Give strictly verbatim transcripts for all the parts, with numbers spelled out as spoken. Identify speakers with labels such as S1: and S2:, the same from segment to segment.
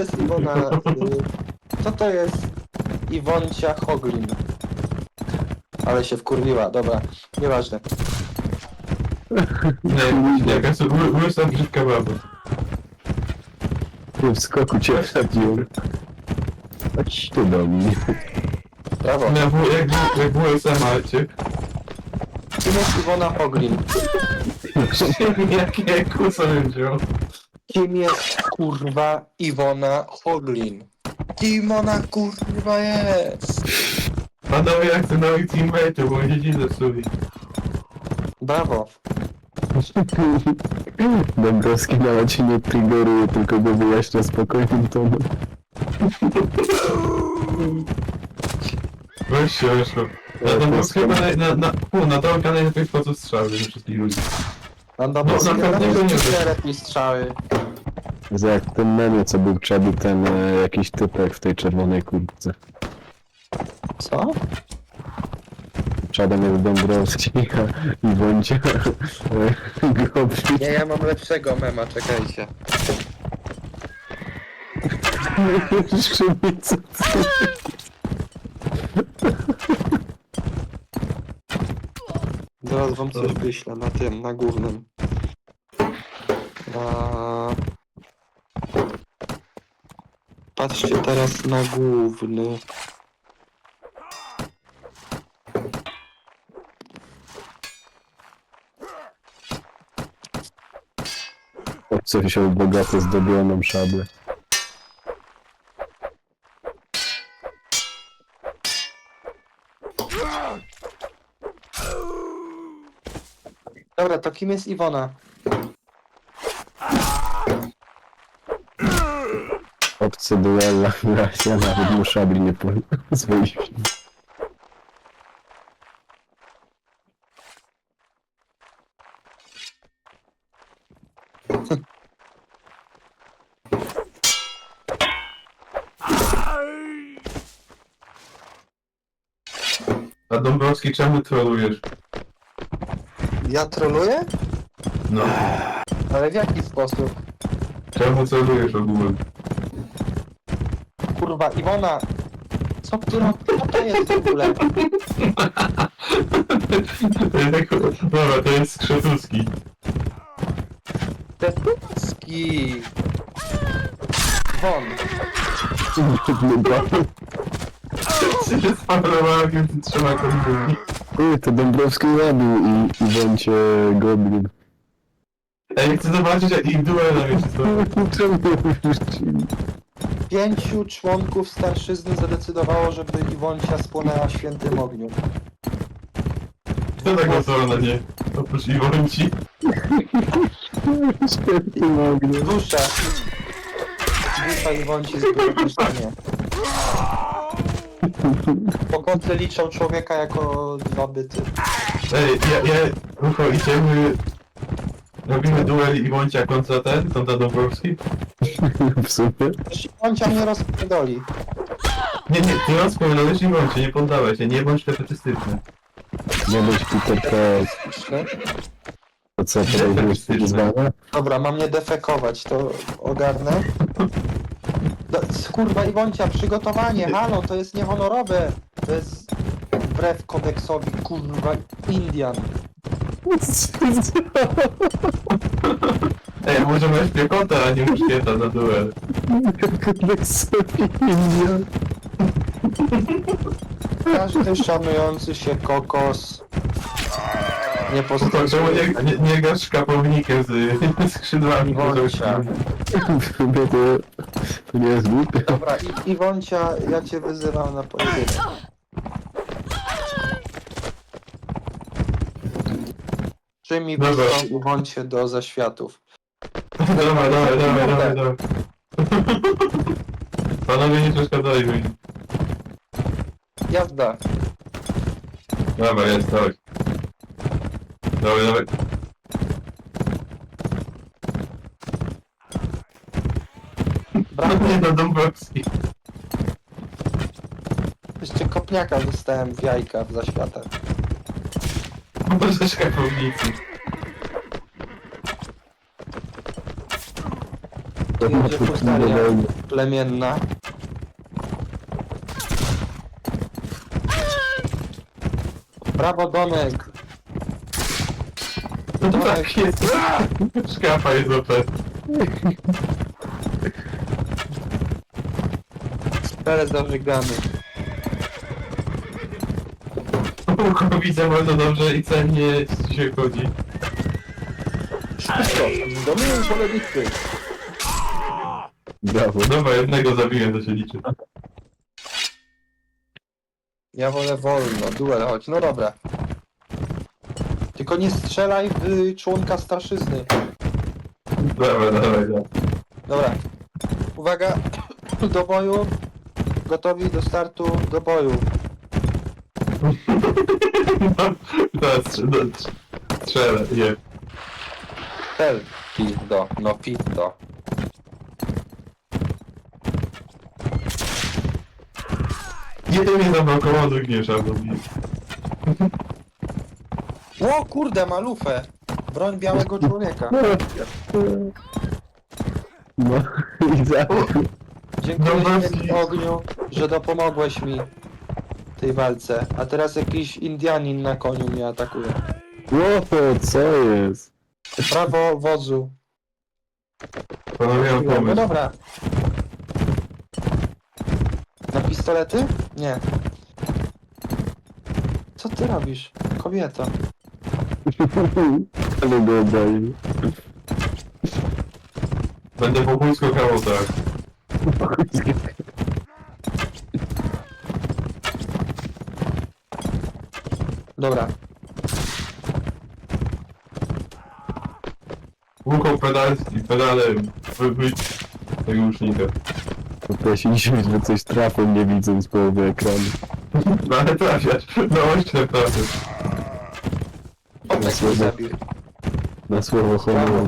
S1: jest Iwona? y, Co to jest Iwoncia Hoglin? Ale się wkurwiła, dobra, nieważne.
S2: Nie, jakaś ły- łysa brzydka baba.
S3: W skoku cię wsadziłem. Chodź tu do mnie.
S1: Brawo.
S2: Ja w, jak, jak w U S A macie.
S1: Kim jest Iwona Hoglin?
S2: Jakie kusa bym wziął.
S1: Kim jest kurwa Iwona Hoglin? Kim ona kurwa jest?
S2: Panowie, jak chcę nowych teammate'ów, bo mnie dziś zepsuli.
S1: Brawo.
S3: Dąbrowski nawet się nie triggeruje, tylko go wyjaśnia spokojnym tonem.
S2: Weź się, weszło. Na
S3: to
S2: tą
S3: jest
S2: chyba na, na, na, u, na tą kanał lepiej wchodzą strzały ze wszystkich ludzi.
S1: Andamowski
S2: No, na pewno nie
S1: nie
S2: wiem.
S1: lepiej strzały.
S3: Że jak ten memy, co był Chubby, ten e, jakiś typek w tej czerwonej kurtce.
S1: Co?
S3: Czadem jest Dąbrowski, a Iwoncia e, Gobi.
S1: Nie, ja mam lepszego mema, czekajcie.
S3: Skrzymica.
S1: Zaraz wam coś wyślę na tym, na głównym. Na... Patrzcie teraz na główny.
S3: Chłopcy wziął bogato zdobioną szablę.
S1: Dobra, to kim jest Iwona?
S3: Obcy duella, ja nawet mu szabli nie pozwolił.
S2: A Dąbrowski, czemu trolujesz?
S1: Ja troluję?
S2: No.
S1: Ale w jaki sposób?
S2: Czemu trolujesz ogółem?
S1: Kurwa, Iwona! Co ty robisz? Co to jest w ogóle?
S2: To jest tak, dobra, to jest Skrzetuski.
S1: Tetucki! Won!
S2: Czy się spaprowałem między trzema kombinami?
S3: Uj, to Dąbrowski zabił i Iwoncie Goblin.
S2: Ej, chcę zobaczyć jak ich duela wiecie co?
S3: Czemu wyrzucili?
S1: Pięciu członków starszyzny zadecydowało, żeby Iwoncia spłonęła w świętym ogniu.
S2: Kto tak głosował na nie? Oprócz Iwonci.
S3: Świetnie mogli.
S1: Duszę! Dusza Iwonci zbyła nie. Pogoty liczą człowieka jako dwa byty.
S2: Ej, ja, ja, Rucho, idziemy... Robimy duel Iwoncia kontra ten, kontra Dąbrowski?
S3: W sumie.
S1: Też Iwoncia mnie rozpierdoli.
S2: Nie, nie, ty rozpowiadałeś Iwoncie, nie poddawaj się, nie bądź defetystyczny.
S3: Nie być Peter Pan. To co, to jest wyzwanie?
S1: Dobra, mam nie defekować, to ogarnę. Do, kurwa Iwoncia, przygotowanie, halo, to jest niehonorowe. To jest wbrew kodeksowi, kurwa, Indian.
S2: Ej, może masz piechotę, a nie muszkieta na duel.
S3: Jak sobie India.
S1: Każdy szanujący się kokos nie
S2: Rucho,
S1: postępuje.
S2: czemu nie, nie, nie grasz szkapownikiem z skrzydłami?
S1: Iwoncia.
S3: W sumie to, to nie jest głupie.
S1: Dobra, I, Iwoncia, ja cię wyzywam na pojedynek. Czy mi
S2: Dobra.
S1: wysłał Iwoncie do zaświatów?
S2: Dawaj, dawaj, dawaj, dawaj, dawaj. Panowie nie przeszkadzali mi.
S1: Jazda.
S2: Dobra, jest, dawaj. Dawaj, dawaj.
S1: Brawo.
S2: Nie no, Dąbrowski.
S1: Jeszcze kopniaka dostałem w jajka w zaświatach.
S2: Może szkapownicy.
S3: To
S1: Jedzie
S3: ma
S1: Fustaria. plemienna. Brawo, Donek!
S2: No tak jest. Szkafa jest O P.
S1: Teraz dobrze gramy.
S2: Widzę bardzo dobrze i cennie się chodzi.
S1: Wszystko, dominują pole bitwy.
S3: Brawo.
S2: Dobra, jednego zabiłem, to się liczy.
S1: Ja wolę wolno, duel chodź, no dobra. Tylko nie strzelaj w członka starszyzny.
S2: Dobra, dawaj, dawaj.
S1: Dobra. Uwaga, do boju. Gotowi do startu, do boju.
S2: No, teraz no, strzelę, nie.
S1: Tel, pizdo, no pizdo.
S2: Jeden mnie zablokował, drugi nie trzeba zrobić.
S1: O kurde, ma lufę. Broń białego człowieka.
S3: No i za...
S1: Dziękuję
S2: Dąbrowski.
S1: Ci, ogniu, że dopomogłeś mi w tej walce. A teraz jakiś Indianin na koniu mnie atakuje.
S3: Ło, co jest?
S1: Brawo, wodzu.
S2: Panowie, mam
S1: No
S2: pomysł.
S1: dobra. Na pistolety? Nie. Co ty robisz, kobieto?
S3: Ale go obali.
S2: Będę po pójsku kawał, tak.
S1: Dobra.
S2: Łuką pedal i pedale wybyć tego łucznika.
S3: Poprosiliśmy, że coś trafią, nie widząc połowy ekranu.
S2: No ale trafiasz, no ośle trafiasz.
S1: O, tak mnie zabił.
S3: Na słowo honoru.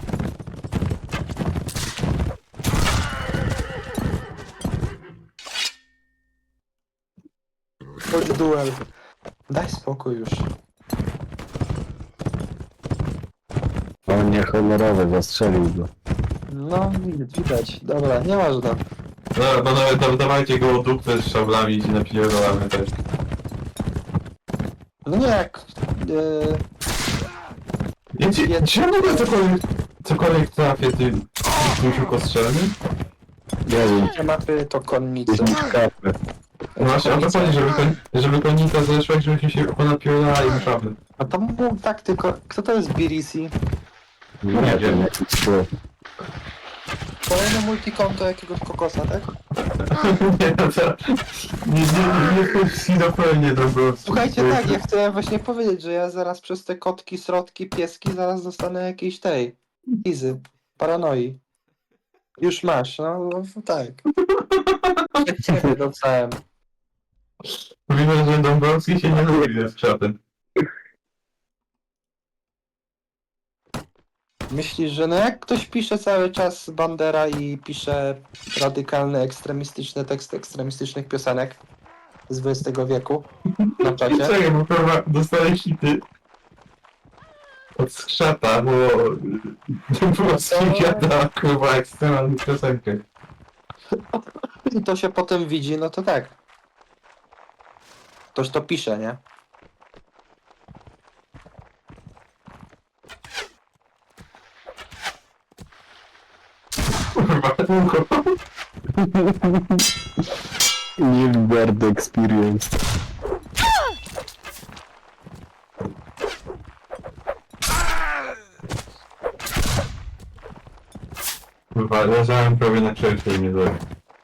S1: Chodź duel. Daj spokój już.
S3: On nie honorowy, zastrzelił go.
S1: No, widać, widać. Dobra, nieważne.
S2: No, no nawet da- dawajcie go dupę z szablami i się napierdolamy też.
S1: No nie jak... Yy,
S2: Ja ci,
S1: Ja-
S2: czy ja mogę cokolwiek, cokolwiek trafię tym tusiu kostrzelny?
S3: Nie wiem,
S1: te mapy to konnicy.
S3: gdzieś mi kapę.
S2: No właśnie, o to chodzi, żeby, kon, żeby konika zeszła i żebyśmy się ponapierdalali na szablę.
S1: A to mów tak tylko... Kto to jest B R C?
S3: Nie
S2: Nie
S3: wiem,
S2: wiem.
S3: jaki było.
S1: Kolejne multikonto jakiegoś kokosa, tak?
S2: Nie, no to... Nie, nie, nie wchodź schizofrenię to było.
S1: Słuchajcie, tak, ja chciałem właśnie powiedzieć, że ja zaraz przez te kotki, srodki, pieski zaraz dostanę jakiejś tej... Izy. Paranoi. Już masz, no, no tak. Przed ciebie dostałem.
S2: Mówimy, że Dąbrowski się nie lubi z czatem.
S1: Myślisz, że no jak ktoś pisze cały czas Bandera i pisze radykalne, ekstremistyczne teksty ekstremistycznych piosenek z dwudziestego wieku na czacie,
S2: Czekaj, bo kurwa dostałeś hity od skrzata, bo Dąbrowski gada kurwa ekstremalną piosenkę.
S1: i to się potem widzi, no to tak. Ktoś to pisze, nie?
S2: Kurwa, długo.
S3: Nilbert Experience.
S2: Kurwa, leżałem prawie na krześle i mnie zabił.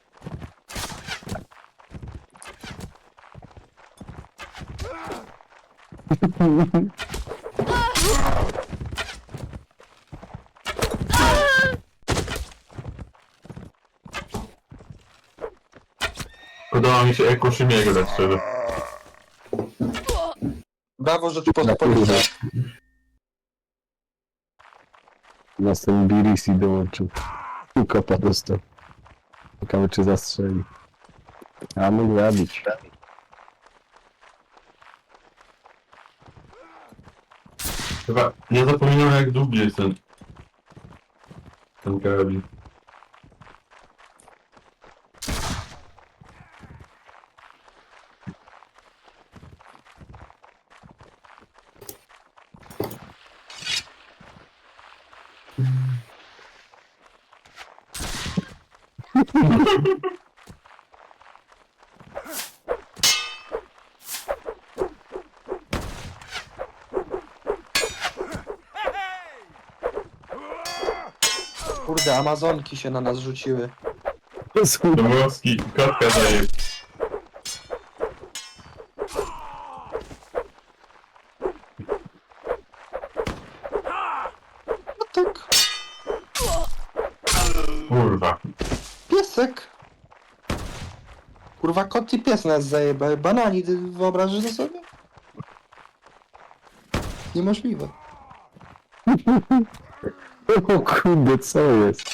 S2: Podoba mi się Eko Szymiego, tak szczerze.
S1: Brawo Rzeczpospolita.
S3: Następny B R C dołączył. I kopa dostał. Ciekawe czy zastrzeli. A mógł zabić.
S2: Chyba, ja zapominam jak długi jest ten... ten karabin.
S1: Kurde, Amazonki się na nas rzuciły.
S2: Dąbrowski, kotka daje.
S1: Kotek.
S2: Kurwa.
S1: Piesek. Kurwa, kot i pies nas zajebał. Banani, ty wyobrażasz to sobie? Niemożliwe.
S3: O kurde, co jest?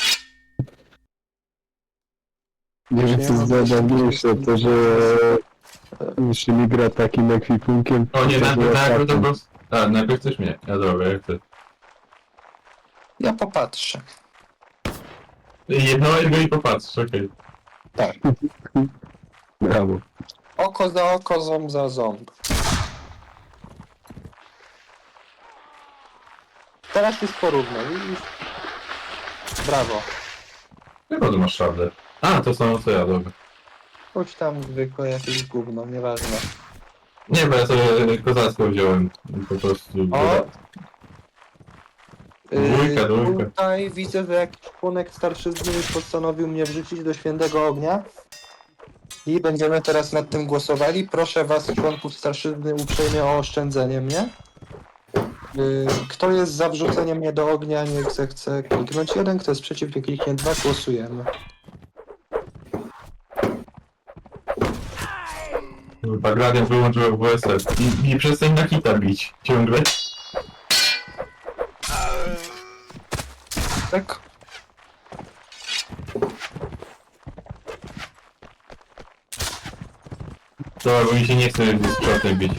S3: Nie wiem, co jest najważniejsze, to że jeśli gra takim ekwipunkiem,
S2: O nie,
S3: to
S2: najpierw,
S3: było
S2: najpierw
S3: takim.
S2: Dąbrowski. A, najpierw chcesz mnie. Ja dobra, ja chcę.
S1: Ja popatrzę.
S2: Jedno go i popatrz, okej.
S1: Tak.
S3: Brawo.
S1: Oko za oko, ząb za ząb. Teraz jest porównaj, widzisz? Brawo.
S2: Chyba tu masz szablę. A, to samo co ja, dobra.
S1: Chodź tam zwykłe jakieś gówno, nieważne.
S2: Nie, bo ja sobie kozacko wziąłem. Po prostu.
S1: O!
S2: Dwójka,
S1: Yy,
S2: dwójka.
S1: Tutaj widzę, że jakiś członek starszyzny już postanowił mnie wrzucić do świętego ognia. I będziemy teraz nad tym głosowali. Proszę was, członków starszyzny, uprzejmie o oszczędzenie mnie. Yy, Kto jest za wrzuceniem mnie do ognia, niech zechce kliknąć jeden, kto jest przeciw, niech kliknie dwa, głosujemy.
S2: Kurwa, Gradian wyłączył W S F. I, I przestań na hita bić. Ciągle.
S1: Tak?
S2: Dobra, bo mi się nie chce z przotem bić.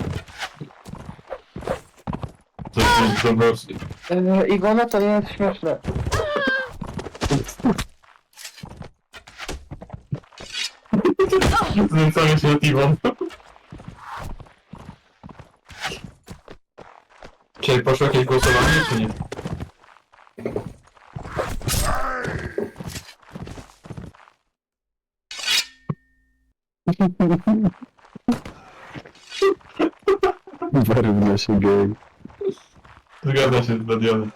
S2: To jest Dąbrowski.
S1: Yy, Iwona, to nie jest śmieszne.
S2: Znęcamy się nad Iwon. Czy poszło jakieś głosowanie, czy nie?
S3: Wyrówna się gej.
S2: Zgadza się z Dadianem.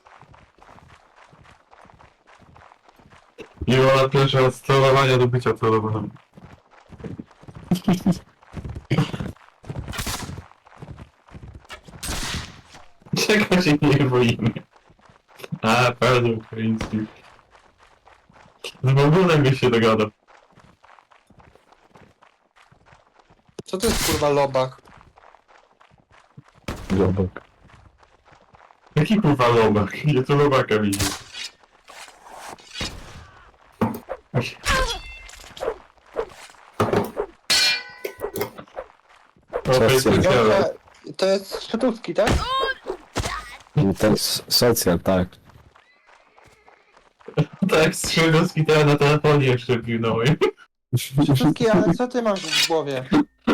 S2: Iwona pierwsza od sterowania do bycia celowaną. Czego się nie boimy? A, pewnie ukraiński. Z Bogunem byś się dogadał.
S1: Co to jest kurwa lobach?
S3: Zobak.
S2: Jaki kurwa lobak? Ja tu lobaka widzę. O, to jest
S3: Socjal.
S2: specjalne.
S1: Iwonka, to jest szczytówki, tak?
S3: I to jest socjal, tak.
S2: Tak, z Szydowski teraz na telefonie jeszcze pilnąłem.
S1: Szczytówki, ale co ty masz w głowie?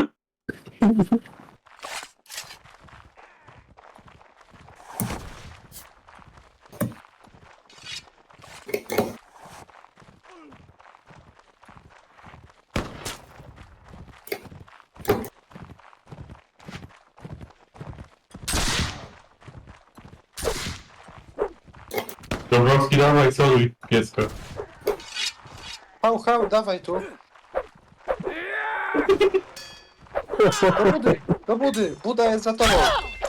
S2: Dąbrowski, dawaj, soluj, kiecko.
S1: Hał, hał, dawaj tu. Do budy, do budy, Buda jest za tobą.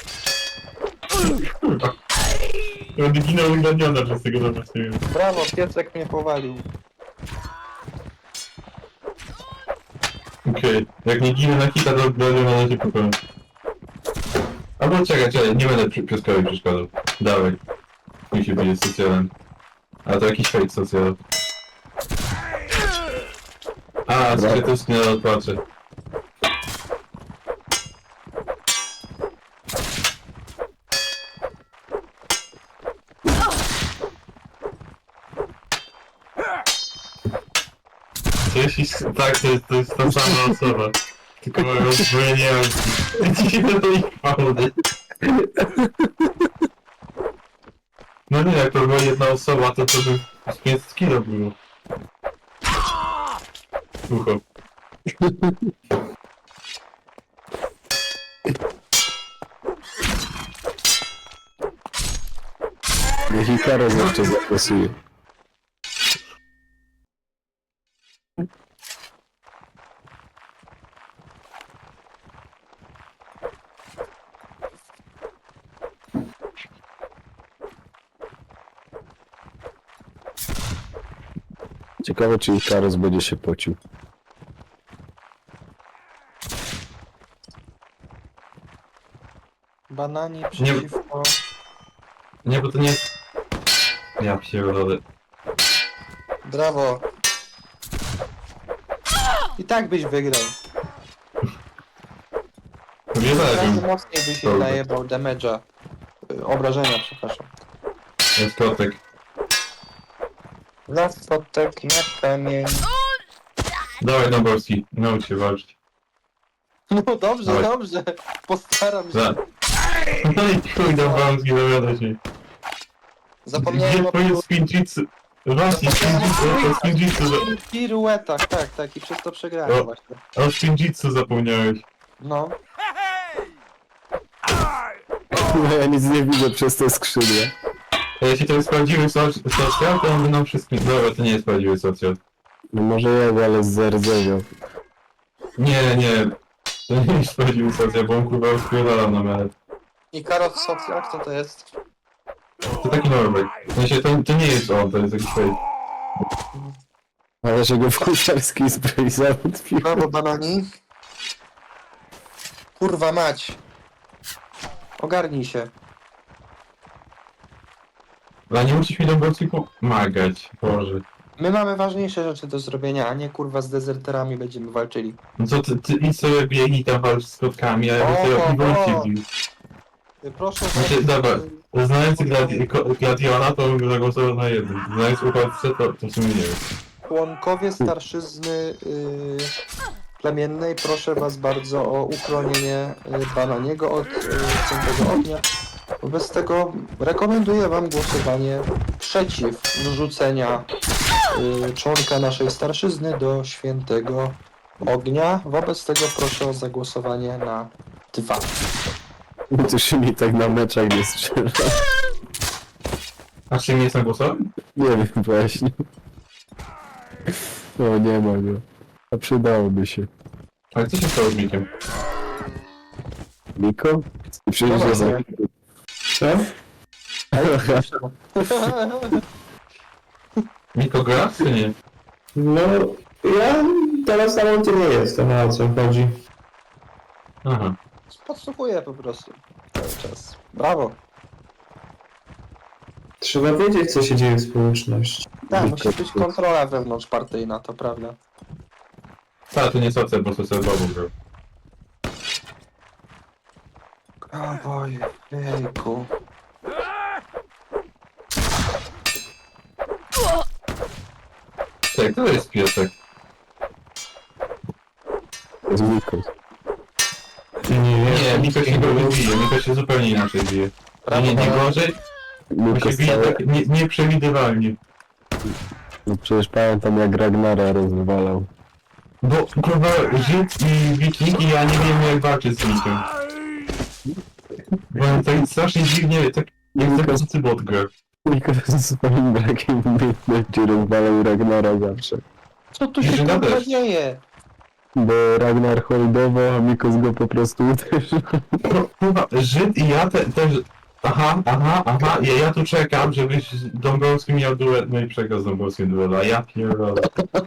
S2: Kurwa. Będę ginął ugraniona przez tego Dąbrowskiego.
S1: Brawo, piecek mnie powalił.
S2: Okej, jak nie ginę na hita, to będę na razie pokoju. Albo czekaj, czekaj, nie będę przy- pieskowi przeszkadzał. Dawaj. Musi być socjalem. A to jakiś fake socjal. A, skrytowski na odpatrzę. To jeśli tak, to jest, to jest ta sama osoba. Tylko rozbrojenialski. Ci do tej fałdy. No nie, jak to była jedna osoba, to to by z pięćset kilo było. ucho.
S3: Niech Ikaros jeszcze zagłosuje. Ciekawe, czy Ikaros będzie się pocił.
S1: Banani przeciwko...
S2: Nie, bo to nie jest... Ja pierdolę.
S1: Brawo. I tak byś wygrał.
S2: Nie
S1: Razy
S2: zależy.
S1: mocniej byś jej
S2: Dobra.
S1: najebał damage'a. Y, Obrażenia, przepraszam.
S2: Jest kotek.
S1: Las potek na kamień.
S2: Dawaj Dąbrowski, naucz się walczyć.
S1: No dobrze,
S2: Dawaj.
S1: dobrze. Postaram się.
S2: Za. No i chuj Dąbrowski, dowiada się.
S1: Zapomniałem
S2: Gdzie
S1: o
S2: twoje spinjitsu? Właśnie, spinjitsu, o spinjitsu, za-
S1: piruetach, tak, tak. I przez to przegrałem
S2: O.
S1: właśnie.
S2: o spinjitsu zapomniałeś.
S1: No.
S3: No ja nic nie widzę przez te skrzydła.
S2: A jeśli to jest prawdziwy soc- socjal, to on by nam wszystkim... Dobra, to nie jest prawdziwy socjal.
S3: No może jego, ale z rdzeniem.
S2: Nie, nie. To nie jest prawdziwy socjal, bo on kurwa rozpierdala na miarę.
S1: I Karol Socjak, co to jest?
S2: To taki Norbek. W sensie to, to nie jest on, to jest jakiś fake.
S3: Ale że go w kucharskiej zbroi załatwił.
S1: Brawo, banani. Kurwa mać. Ogarnij się.
S2: Ale nie musisz mi Dąbrowski pomagać, Boże.
S1: My mamy ważniejsze rzeczy do zrobienia, a nie kurwa z dezerterami będziemy walczyli.
S2: No co ty, ty idź sobie biegnij tam walcz z kotkami, a ja bym
S1: O,
S2: sobie
S1: o,
S2: piwolki
S1: o.
S2: wbił.
S1: Y, Proszę...
S2: Znaczy, dobra. Znając gladi ko- Gladiona, to bym zagłosował na jednym. Znając uchodźcę, to, to w sumie nie wiem.
S1: Członkowie starszyzny y, plemiennej, proszę was bardzo o uchronienie y, Bananiego od y, Świętego Ognia. Wobec tego rekomenduję wam głosowanie przeciw wrzucenia y, członka naszej starszyzny do Świętego Ognia. Wobec tego proszę o zagłosowanie na dwa.
S3: To się mi tak na meczach nie strzela.
S2: A czy nie jestem głosowy?
S3: Nie wiem właśnie. O, nie ma go. A przydałoby się.
S2: Ale co się stało z Mikiem?
S3: Miko? Przecież
S1: No
S3: jest...
S1: właśnie.
S2: Co? Miko gra, czy nie?
S4: No, ja teraz na momencie nie jestem, a o co chodzi.
S2: Aha.
S1: Podsłuchuję po prostu cały czas. Brawo.
S4: Trzeba wiedzieć, co się dzieje w społeczności.
S1: Tak, musi być kontrola wewnątrzpartyjna, to prawda.
S2: Ta, to nie socjal, bo socjal babu grał.
S1: O boju, jejku.
S2: Tak, to jest piesek.
S3: To jest Miko.
S4: Nie,
S2: Nie, Miko się go nie bije, Miko się zupełnie inaczej bije.
S1: Brawo,
S2: Nie, nie
S1: brawo.
S2: gorzej, bo
S3: Miko
S2: się bije
S3: stale...
S2: tak nie, nieprzewidywalnie.
S3: No przecież pamiętam jak Ragnara rozwalał.
S2: Bo kurwa Żyd i Wiking i ja nie wiem jak walczyć z Mikiem. Bo on tak strasznie dziwnie, tak jak zakończy bot gra.
S3: Miko ze swoim brakiem umiejętności rozwalał Ragnara zawsze.
S1: Co tu się
S2: Jużyna
S1: kurwa
S2: też.
S1: dzieje?
S3: Bo Ragnar holdował, a Mikos go po prostu uderzył.
S2: Kur- Kurwa, Żyd i ja te, też... Aha, aha, aha, ja, ja tu czekam, żebyś z Dąbrowskim miał duet, no i przegrał z Dąbrowskim duet, a ja pierdolę.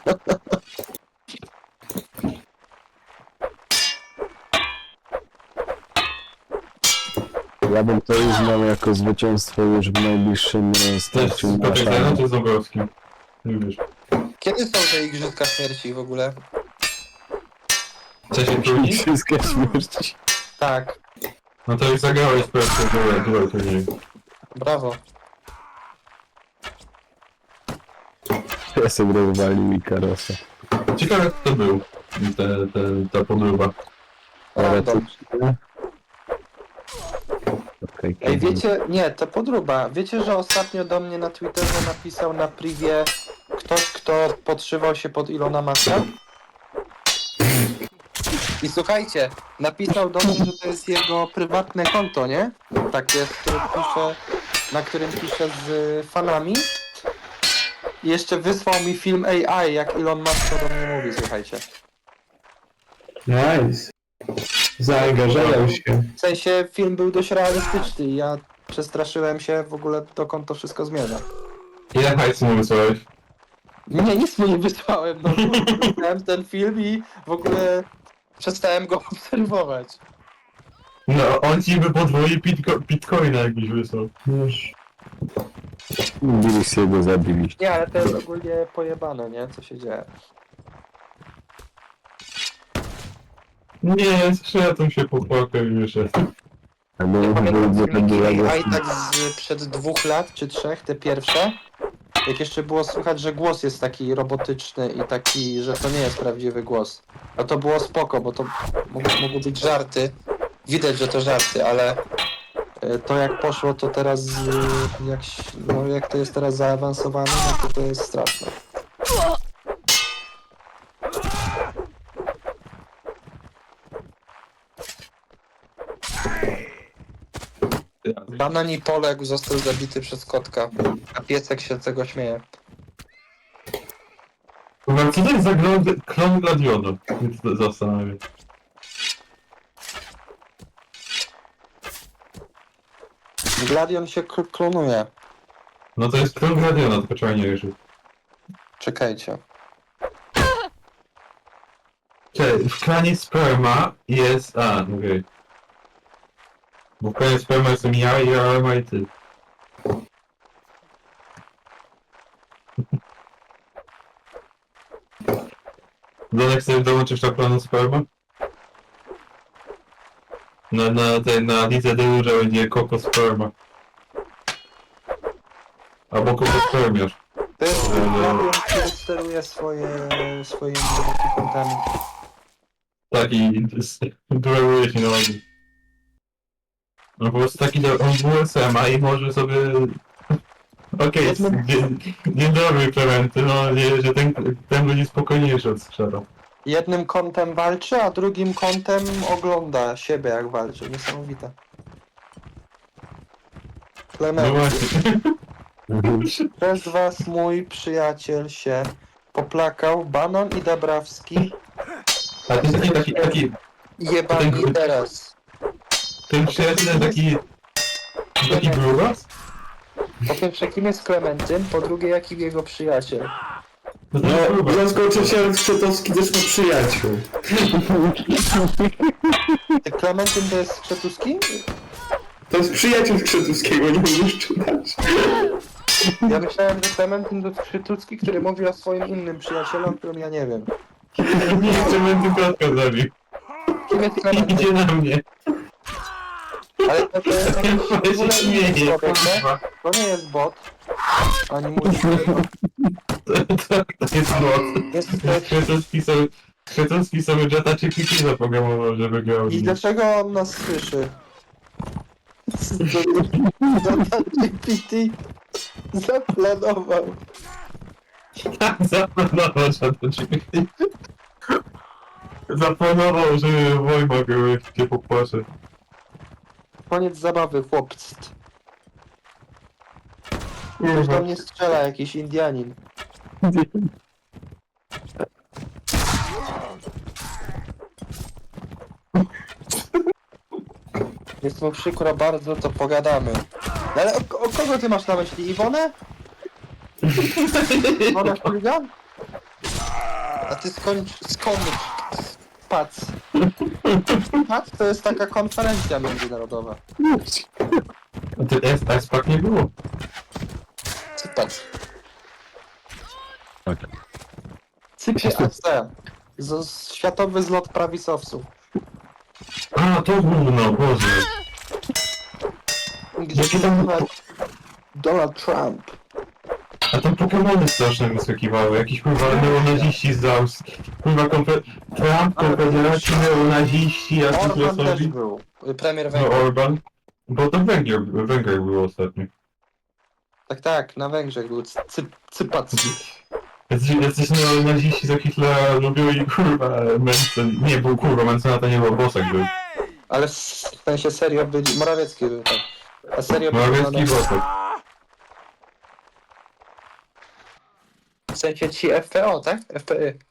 S3: Ja bym to uznał jako zwycięstwo już w najbliższym e,
S2: To jest
S3: starciu na
S2: Patryk
S3: szale.
S2: czy z Dąbrowskim? Nie wiesz.
S1: Kiedy są te igrzyska śmierci w ogóle?
S2: Chce się trudni?
S3: Wszystkie śmierci.
S1: Tak,
S2: No to już zagrałeś po prostu duet, duet turnieju.
S1: brawo.
S3: Ja sobie rozwalił Ikarosa.
S2: Ciekawe kto to był, te, te, ta podróba.
S1: Random.
S3: Okej,
S1: Ej, wiecie, nie, to podróba. Wiecie, że ostatnio do mnie na Twitterze napisał na privie ktoś, kto podszywał się pod Ilona Maska? I słuchajcie, napisał do mnie, że to jest jego prywatne konto, nie? Takie, z którym pisze, na którym pisze z fanami. I jeszcze wysłał mi film A I, jak Elon Musk to do mnie mówi, słuchajcie.
S4: Nice. Zaangażował się.
S1: W sensie film był dość realistyczny i ja przestraszyłem się, w ogóle dokąd to wszystko zmierza.
S2: Ile hajsu mu wysłałeś?
S1: Nie, nic mu nie wysłałem, no widziałem ten film i w ogóle przestałem go obserwować.
S2: No, on ci by podwoił bitco bitcoina jakbyś wysłał.
S4: Już.
S3: Birisiego zabili.
S1: Nie, ale to jest ogólnie pojebane, nie? Co się dzieje.
S2: Nie, skrzydłem się popłakał i wyszedł.
S3: Albo
S1: Ja pamiętam
S3: będzie
S1: filmiki
S3: będzie
S1: A I tak z przed dwóch lat czy trzech, te pierwsze. Jak jeszcze było słychać, że głos jest taki robotyczny i taki, że to nie jest prawdziwy głos. A to było spoko, bo to mogły, mogły być żarty. Widać, że to żarty, ale e, to jak poszło, to teraz e, jak, ś- no, jak to jest teraz zaawansowane, no to to jest straszne. Banani poległ, został zabity przez kotka, a piesek się z tego śmieje.
S2: Kurwa, co to jest za klon, klon Gladiona? Mnie to zastanawia.
S1: Gladion się k- klonuje.
S2: No to jest klon Gladiona, tylko trzeba nie wierzyć.
S1: Czekajcie.
S2: Cześć, w klanie Sperma jest... A, okej. Okay. Bo w klanie Sperma jestem ja i Arma i ty. Donek sobie dołączysz do klanu Sperma? Na, na tej, na lidze Deurze będzie Koko Sperma. Albo Koko Spermiarz.
S1: To jest Gladion, który steruje swoje, swoimi kontami.
S2: Tak i dueluje się na nogi. No po prostu taki do, on W S M a i może sobie... Okej,
S1: Jednym-
S2: dzień, dzień dobry Klementy, mam nadzieję, że ten, ten będzie spokojniejszy od strzela.
S1: Jednym kątem walczy, a drugim kątem ogląda siebie jak walczy. Niesamowite.
S2: No
S1: Klement,
S2: właśnie.
S1: przez was mój przyjaciel się popłakał, Banon i Dabrawski
S2: A to jest taki, taki, taki,
S1: jebani
S2: Ten-
S1: teraz.
S2: ten przyjaciel taki... Taki grubas?
S1: Po pierwsze, kim jest Klementyn, po drugie, jaki jego przyjaciel.
S2: No to
S4: No,
S2: jest grubas.
S4: zaskoczyciel Krzetowski też ma przyjaciół.
S1: Ty Klementyn to jest Skrzetuski?
S4: To jest przyjaciel Krzetowskiego, nie możesz czytać.
S1: Ja myślałem, że Klementyn to jest Skrzetuski, który mówi o swoim innym przyjacielu, o którym ja nie wiem.
S2: Nie, Klementy kotka zabił.
S1: Kim jest Klementyn?
S2: Idzie na mnie.
S1: Ale to, to jest jakiś w
S2: Ja
S1: ogóle
S2: się
S1: inny
S2: śmieję,
S1: człowiek, nie?
S2: kurwa.
S1: To nie jest bot. Ani mój...
S2: To, to, to jest bot.
S1: Jest, to jest...
S2: Kretowski sobie, Kretowski sobie Jetta czy Kiki zaprogramował, żeby grał.
S1: I dlaczego on nas słyszy? Data G P T zaplanował.
S2: Zaplanował Jetta czy Kiki. Zaplanował, żeby Wojma się popłacze.
S1: Koniec zabawy, chłopcy. Ktoś
S2: Kurwa.
S1: do mnie strzela, jakiś Indianin. Jest mu przykro bardzo, to pogadamy. No ale o, o kogo ty masz na myśli? Iwonę? Iwonę Chuligan? A ty skończ, skończ, pac. Pac to jest taka konferencja międzynarodowa.
S2: A ty S, S-Pack nie było.
S1: Cypac.
S3: Tak.
S1: Cypie A C. Z, z, światowy zlot prawisowców.
S2: A, to gówno, Boże.
S1: Gdzie
S2: Jaki tam-
S1: Donald Trump.
S2: A tam Pokemony straszne wyskakiwały, jakieś kurwa neonaziści z Austrii. Kurwa konfe... Trump, Konfederaci, neonaziści,
S1: Orban też
S2: Asystosowi.
S1: był. Premier
S2: No
S1: Węgier.
S2: Orban. Bo to Węgier, Węgier było ostatnio.
S1: Tak, tak, na Węgrzech był cy, cypac.
S2: Jacyś, jacyś neonaziści za Hitlera lubią i kurwa Mencen... Nie, był kurwa, Mencena to nie był, Bosak był.
S1: Ale w sensie serio byli... Morawiecki był tam. A serio byli...
S2: Morawiecki i Bosak.
S1: W sensie ci F P O, tak? F P Y.